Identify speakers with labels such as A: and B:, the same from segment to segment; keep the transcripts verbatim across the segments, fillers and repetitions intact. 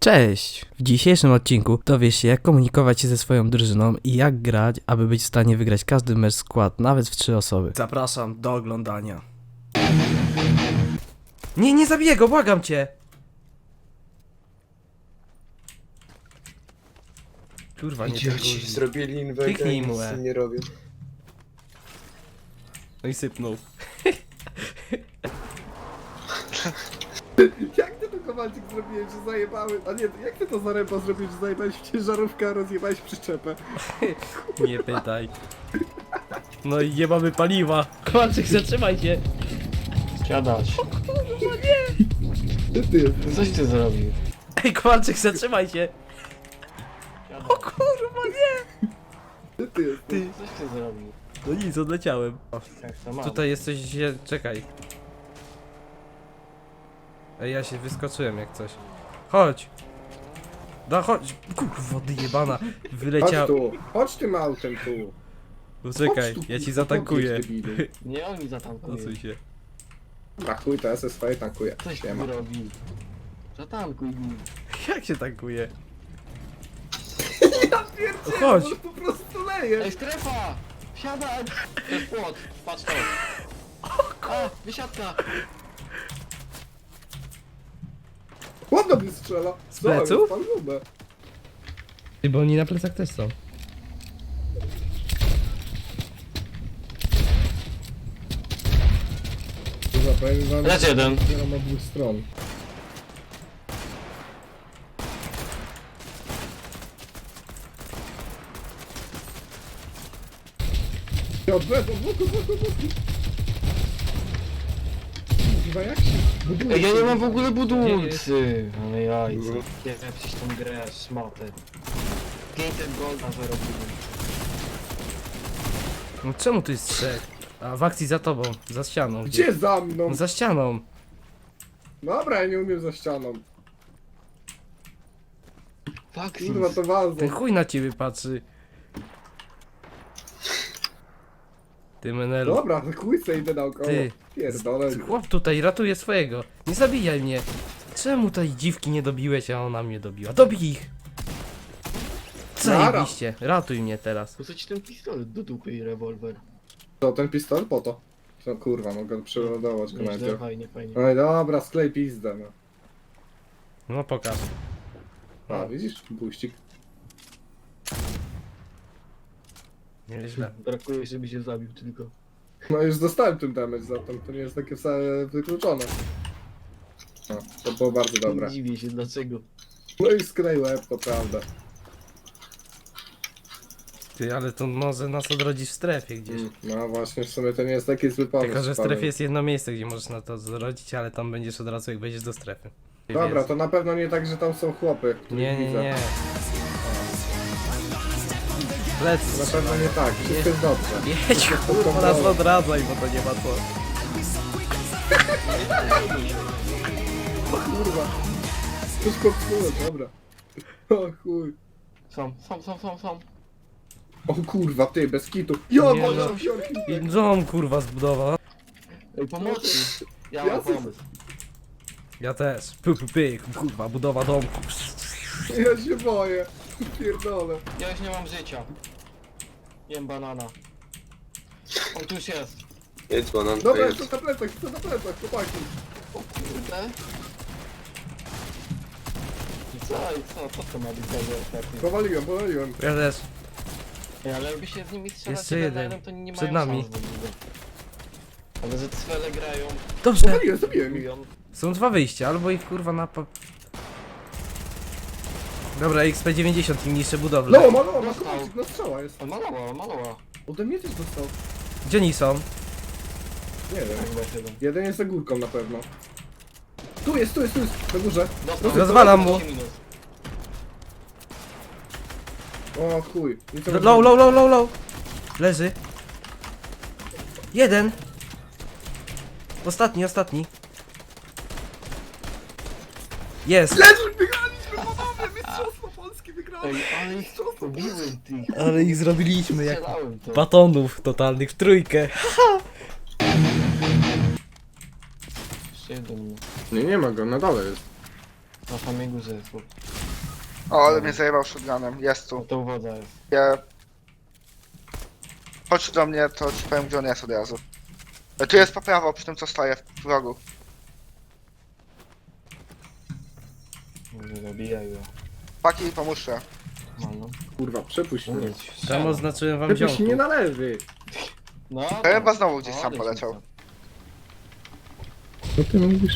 A: Cześć! W dzisiejszym odcinku dowiesz się, jak komunikować się ze swoją drużyną i jak grać, aby być w stanie wygrać każdy mecz skład, nawet w trzy osoby. Zapraszam do oglądania. Nie, nie zabiję go, błagam cię! Kurwa, nie ten
B: Idioci
A: guzik.
B: zrobili inwentę
A: Kliknij
B: i
A: mu,
B: nic
A: e.
B: z tym nie robią.
A: No i sypnął.
C: Jak ty to Kowalczyk zrobiłeś, że zajebały? A nie, jak ty to Zaręba zrobiłeś, że zajebałeś w ciężarówkę, a rozjebałeś przyczepę?
A: Nie pytaj. No i nie mamy paliwa. Kowalczyk, zatrzymaj się!
D: Siadać.
C: Ty, ty jesteś.
D: Coś ty zrobił?
A: Ej, Kowalczyk, zatrzymaj się! O kurwa, nie!
C: Ty, ty jesteś.
A: Ty.
D: Coś ty zrobił?
A: No nic, odleciałem.
D: Jak to mam?
A: Tutaj jest coś źle... czekaj. Ej, ja się wyskoczyłem jak coś. Chodź! Da, chodź! Kurwa, wody jebana!
C: Chodź
A: Wyleciał...
C: tu, chodź tym autem tu.
A: Poczekaj,
C: Chodź tu,
A: ja ci
C: kurwa,
A: zatankuję.
C: podjedź, debilu.
D: Nie on mi zatankuje.
A: Odsuń się.
C: A chuj, to ja se swoje tankuję.
D: Coś
C: Nie ma.
D: tu robi. Zatankuj mi.
A: Jak się tankuje?
C: Ja pierdzielę,
A: Chodź.
C: on po prostu leje.
D: Ej, strefa! Siadaj! To jest płot. Patrz to. A, wysiadka!
C: Ładno mnie strzela.
A: Z pleców?
C: Co, jest pan grube.
A: Ty, bo oni na plecach też są.
C: Kurwa, powiem wam,
D: Lecz jeden.
C: że mam od dwóch stron. Ja odwracam, boku, boku, boku. Kurwa, jak się buduje?
D: Ej, ja nie mam w
A: Gdzie
D: ogóle
A: jest?
D: budulcy. Ale jajce. Nie wiem, przecież tą grę, szmatę. pięćset golda zarobiłem.
A: No czemu tu jest trzech? A w akcji za tobą, za ścianą.
C: Gdzie za mną?
A: No za ścianą.
C: Dobra, ja nie umiem za ścianą.
D: Fuck
C: Kurwa, to walzo.
A: Ten chuj na ciebie patrzy. Ty menelu.
C: Dobra, chuj se idę naokoło.
A: Ty.
C: Pierdolę.
A: Chłop tutaj ratuje swojego. Nie zabijaj mnie. Czemu tej dziwki nie dobiłeś, a ona mnie dobiła? Dobij ich! Zajebiście. Ratuj mnie teraz.
D: Po co ci ten pistolet do dupy i rewolwer?
C: To ten pistolet po to. No kurwa, mogę przeładować
D: Nieźle,
C: komentarz.
D: fajnie, fajnie.
C: No i dobra, sklej pizdę, no.
A: No pokaż.
C: A, widzisz? Buścik.
A: Nieźle.
D: Brakuje, żeby się zabił tylko.
C: No już dostałem tym damage za to, to nie jest takie wcale wykluczone. No, to było bardzo dobre.
D: Nie dziwię się dlaczego.
C: No i sklej łeb, to prawda.
A: Ty, ale to może nas odrodzić w strefie gdzieś.
C: Mm, No właśnie, w sumie to nie jest taki zły pomysł.
A: Tylko, że w
C: Paweł.
A: strefie jest jedno miejsce, gdzie możesz na to zrodzić, ale tam będziesz od razu jak wejdziesz do strefy.
C: Dobra, to na pewno nie tak, że tam są chłopy, których
A: Nie, nie,
C: widzę.
A: nie.
C: To
A: Lec.
C: na pewno nie tak, wszystko jest dobrze.
A: Jedź, kurwa, nas odradzaj, bo to nie ma co.
C: Kurwa. Wszystko psuło, dobra. O chuj.
D: Są, są, są, są, są.
C: O kurwa, ty, bez kitu. Jo,
A: Nie
C: może
A: no.
C: są siorki.
A: I dom kurwa zbudował.
D: Ej, pomocy! Ja
C: Ja
D: mam
C: se-
D: pomysł.
A: Ja też. Py, py, py, kurwa, budowa domku.
C: Ja się boję. Pierdolę.
D: Ja już nie mam życia. Jem banana. On tu już jest.
B: Jedź banan, to
C: Dobra,
B: jedź.
C: jestem na plecach, jestem na plecach, chłopaki.
D: O kurde. I co, i co, co to ma być za ostatni?
C: Powaliłem, powaliłem.
A: Ja też.
D: Ej, ale jakby się z nimi strzelać
A: Jeszcze
D: jeden
A: jeden.
D: na jeden, to nie
A: Przed
D: mają
A: nami.
D: szans w ogóle. Ale że cwele grają,
A: Dobrze.
C: Powaliłem, zabiłem ich.
D: mówią.
A: Są dwa wyjścia, albo ich kurwa na... po- Dobra, X P dziewięćdziesiąt im niszczy budowlę.
C: No, maloła, ma
D: Dostał.
C: kowalczyk, no strzała jest.
D: On malował, on malował.
C: Ode mnie też dostał.
A: Gdzie oni są?
C: Nie wiem.
D: Tak, chyba jeden.
C: Jeden jest za górką na pewno. Tu jest, tu jest, tu jest, na górze.
D: Dostał.
A: Rozwalam mu.
D: Minus.
C: O chuj. Nic nie
A: Low, low, low, low, low. Leży. Jeden. Ostatni, ostatni. Jest.
C: Leży, wygraliśmy panowie, mistrzostwo Polski wygrali.
D: Ej, ale ich pobiłem tych.
A: Ale ich zrobiliśmy jak
D: Strzelałem to.
A: batonów totalnych w trójkę.
D: Jeszcze jeden.
C: Nie, nie ma go, na dole jest.
D: Na samej górze jest chłop.
E: O, ale mnie zajebał shotgunem. Jest
D: No
E: tu.
D: to uwoda jest.
E: Ja... Chodź do mnie, to ci powiem, gdzie on jest od razu. E, Tu jest po prawo, przy tym co stoję w rogu.
D: Nie zabijaj go.
E: Paki, pomóżcie.
D: No, no.
C: Kurwa, przepuść mnie.
D: Mówię ci,
A: Tam
D: strzelam.
A: oznaczyłem wam
C: Przepuść
A: ziomku.
C: mnie na lewy.
D: No,
E: Chyba znowu gdzieś
D: no,
E: sam
D: odejdź
E: poleciał.
D: mi
C: Co ty mówisz?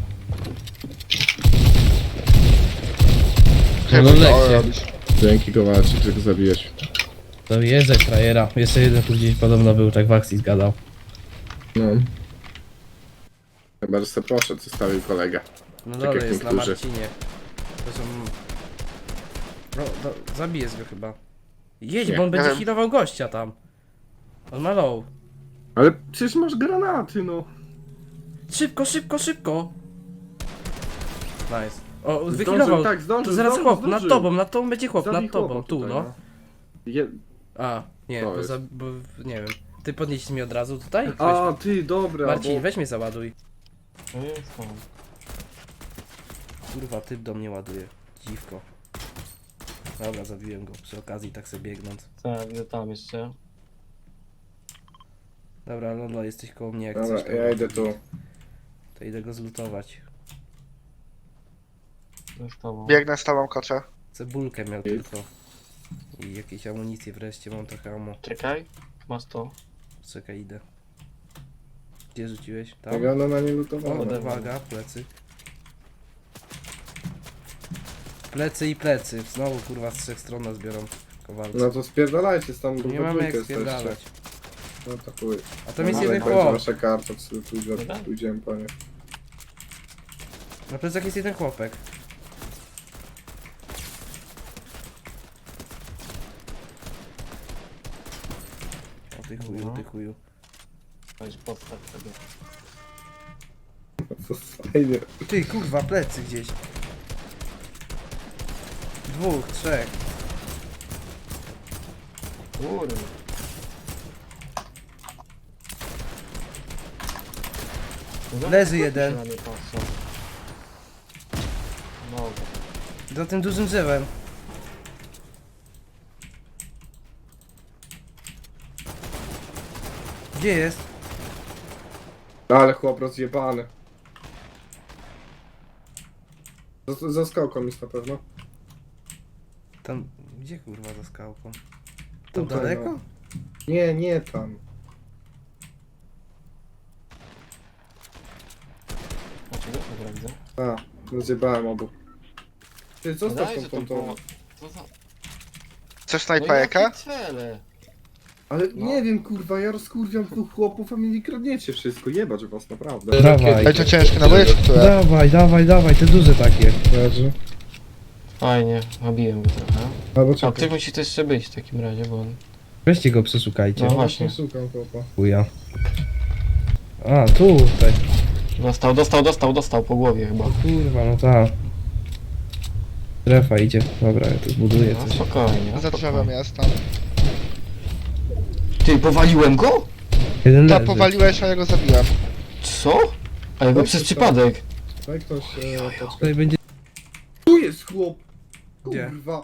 E: Chyba
A: no
E: to
A: lekcje.
E: robisz.
C: Dzięki Kowalczyk, że go zabiłeś.
A: To jeżdżaj frajera. Jeszcze jeden tu gdzieś podobno był, tak w akcji zgadał.
C: No. Chyba, że se poszedł, zostawił kolegę.
A: No
C: Tak
A: dole
C: jak
A: jest na
C: niektórzy.
A: Marcinie. To są... No, no, zabijesz go chyba. Jedź,
C: Nie,
A: bo on będzie
E: wiem.
A: healował gościa tam. On ma low.
C: Ale przecież masz granaty, no.
A: Szybko, szybko, szybko! Nice. O,
C: Zdążył,
A: wyhealował.
C: tak, zdążył,
A: To zaraz
C: zdążył,
A: chłop, nad
C: zdążył.
A: tobą, nad tobą będzie chłop,
C: Zabij
A: nad tobą,
C: chłopa
A: tu
C: tutaj,
A: no.
C: Je...
A: A, nie,
C: To
A: bo,
C: jest.
A: za, bo nie wiem. Ty podnieśli mnie od razu tutaj? Weź,
C: A, ty, dobra,
A: Marcin,
C: bo...
A: weź mnie załaduj.
D: To jest tam.
A: Kurwa, typ do mnie ładuje. Dziwko. Dobra, zabiłem go przy okazji, tak sobie biegnąc.
D: Tak, widzę tam jeszcze.
A: Dobra, Lolo, jesteś koło mnie jak
C: Dobra,
A: chcesz. to-
C: ja idę tu.
A: To idę go zlutować.
D: To jest tobą.
E: Biegnę z tobą, kocze.
A: Cebulkę miał tylko. I jakieś amunicje wreszcie, mam trochę ammo.
D: Czekaj, masz to.
A: Czekaj, idę. Gdzie rzuciłeś? Tam?
C: Wygląda na nie
A: O,
C: lutowane.
A: uwaga, plecy. Plecy i plecy. Znowu kurwa z trzech stron nas biorą kowalcy.
C: No to spierdalajcie, tam
A: Nie mamy jak spierdalać.
C: No to chuj.
A: A tam jest
C: No,
A: jeden
C: jak będzie
A: chłop.
C: wasza karta, to pójdziemy,
D: Dobra.
C: pójdziemy po nie.
A: Na plecach jest jeden chłopek. O ty chuju,
D: No.
A: ty chuju.
D: Weź podstaw sobie.
C: To fajnie.
A: Ty kurwa, plecy gdzieś. Dwóch, trzech.
D: Kurde. No,
A: Leży
D: jak
A: jeden.
D: się na mnie patrzą? No,
A: Za tym dużym drzewem. Gdzie jest?
C: Ale chłop rozjebany. Za, za skałką jest na pewno.
A: Tam, gdzie kurwa za skałką? Tam
C: Tutaj,
A: daleko?
C: no. Nie, nie tam.
D: znaczy go, dobra, widzę.
C: A, rozjebałem obu. Ty, zostaw
D: Daj,
C: tą
D: że to
C: pontą.
D: było- Co za...
E: Chcesz
D: No
E: snajperkę?
D: jakie cele?
C: Ale
D: No.
C: nie wiem, kurwa, ja rozkurwiam dwóch chłopów, a mi nie kradniecie wszystko. Jebać was, naprawdę.
A: Dawaj.
E: Ej, to ciężkie naboje, czy które?
A: Dawaj, dawaj, dawaj, te duże takie.
C: Leży.
D: Fajnie, nabiłem go trochę.
C: Albo
D: A
C: czekaj.
D: ty musi też jeszcze być w takim razie, bo on...
A: Weźcie go, przeszukajcie.
D: No
C: No
D: właśnie.
C: właśnie, szukam chłopa.
A: Chuja. A, tutaj.
D: Dostał, dostał, dostał, dostał po głowie chyba.
A: Kurwa, no ta. Strefa idzie. Dobra, ja tu zbuduję
D: No
A: coś.
D: spokojnie.
E: Za drzewem
D: spokojnie.
E: jest tam.
D: Ty, powaliłem go?
A: Jeden
E: Ta
A: leży.
E: powaliłeś, a ja go zabiłem.
D: Co? A ja go
C: Tak,
D: przez
C: to-
D: przypadek.
C: Daj ktoś, e, poczekaj.
A: Tutaj będzie...
C: Tu jest chłop!
A: Gdzie?
C: Kurwa.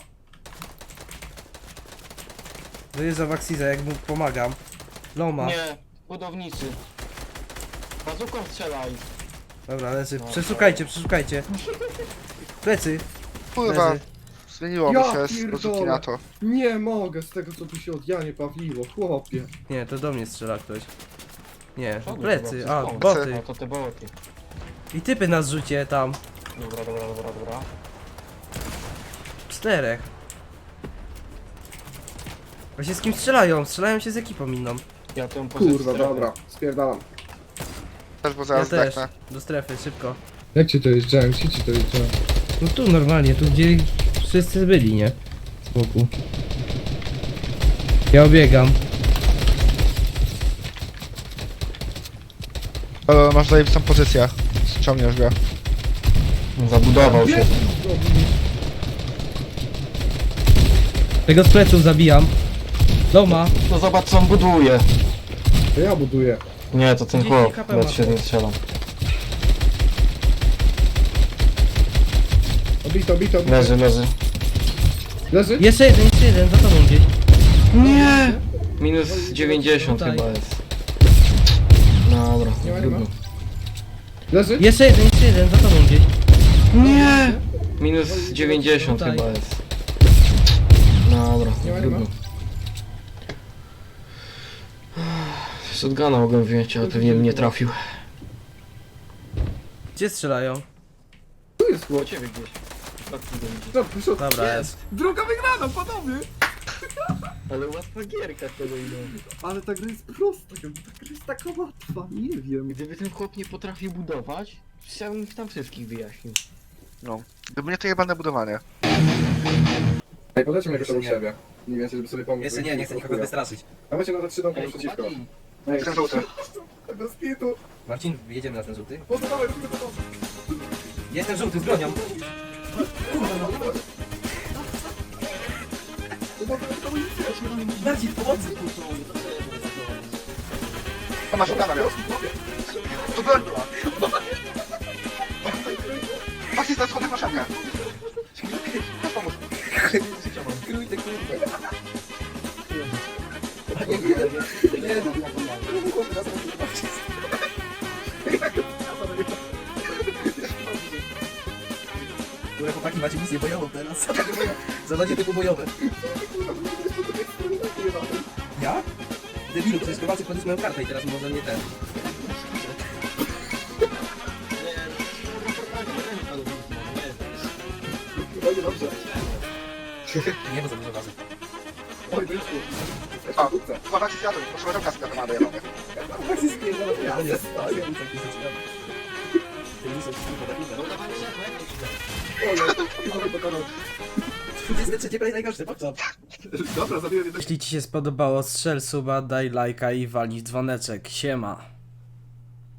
A: Dojeżdża w Axiza, jak mu pomagam. Loma.
D: Nie, budowniczy. Bazuką strzelaj.
A: Dobra, leży.
D: No,
A: Przeszukajcie, przeszukajcie. Plecy.
E: Kurwa,
A: Leży.
E: zmieniło
C: Ja
E: mi się z
C: pierdolę.
E: bazuki na to.
C: Nie mogę z tego, co tu się od Janie bawiło, chłopie.
A: Nie, to do mnie strzela ktoś. Nie,
D: Przodu
A: plecy,
D: chyba,
A: a,
D: przez
A: boty.
D: No to te boty.
A: I typy nas rzucie tam.
D: Dobra, dobra, dobra, dobra.
A: Czterech. Właśnie z kim strzelają? Strzelają się z ekipą inną.
D: Ja tą
C: Kurwa, dobra, spierdalam.
E: Też, bo
A: Ja
E: zaraz
A: też.
E: zdechnę.
A: Do strefy, szybko.
C: Jak ci to jeździłem? Ci ci to jeździłem?
A: No tu normalnie, tu gdzie wszyscy byli, nie? Z boku. Ja obiegam.
E: Ale masz zajebistą pozycję. Ściągniesz go.
D: Zabudował się.
A: Tego z pleców zabijam. Loma.
D: No zobacz co on buduje.
C: To ja buduję.
D: Nie, to ten
A: trzydzieści
D: chłop.
A: HP
D: Nawet
A: ma.
D: się nie strzelam.
C: Obito, obito, obito.
D: Leży, leży.
C: Leży?
A: Jeszcze jeden, jeszcze jeden, za tobą gdzieś.
D: Nie! Minus dziewięćdziesiąt
A: Tutaj.
D: chyba jest. Dobra,
C: Nie ma, nie ma.
D: trudno.
C: Leży?
A: Jeszcze jeden, jeszcze jeden, za tobą gdzieś.
D: Nie! Minus dziewięćdziesiąt
A: Tutaj.
D: chyba jest. Dobra,
C: Nie ma, nie ma.
D: trudno. Shotguna mogłem wziąć, ale pewnie bym nie trafił.
A: Gdzie strzelają?
C: Tu jest
D: Po
C: chłop.
D: ciebie gdzieś. Tak tu będzie.
C: No, proszę.
A: Dobra, jest.
C: Druga wygrana, panowie!
D: Ale łatwa gierka tego idą.
C: Ale ta gra jest prosta, ta gra jest taka łatwa, nie wiem.
D: Gdyby ten chłop nie potrafił budować, chciałbym tam wszystkich wyjaśnił.
E: No. Gdyby nie to jebane budowanie.
C: Ej, polećmy jakoś
F: Jeszcze
C: obok
F: nie.
C: siebie. Mniej więcej, żeby sobie pomóc.
F: Jeszcze nie, nie chcę nikogo wystraszyć.
C: Dawajcie na te trzy domki
D: Ej,
C: naprzeciwko.
D: chłopaki,
C: Ej,
E: Jestem żółty.
C: bez kitu.
F: Marcin, jedziemy na ten żółty.
C: Pozostawaj, robimy to.
F: Jestem żółty z bronią. Marcin, pomocy!
E: To masz szukana miał. Tu broń była. Właśnie za schodach masz szankę. Masz pomóc.
F: Krójte, kurde. Które chłopaki macie misję bojową teraz. Zadanie typu bojowe. Ja? Debilu, przecież Kowalczyk podniósł moją kartę i teraz może nie ten.
C: Będzie dobrze.
F: Nie, bo za dużo waży.
C: Oj, wyszło.
E: A, uważaj się zjadł. Proszę roka z ma dojebane.
C: Tak się spierdala, to ja
F: Nie,
C: zostaję.
F: taki zaczynam. Ten lisek, kurwa, taki
D: no dawaj szef,
C: Oj, oj, pokonał.
F: dwudziesty trzeci play najgorszy, po co?
C: Dobra, zabiłem jednego.
A: Jeśli ci się spodobało, strzel suba, daj lajka i walnij w dzwoneczek. Siema.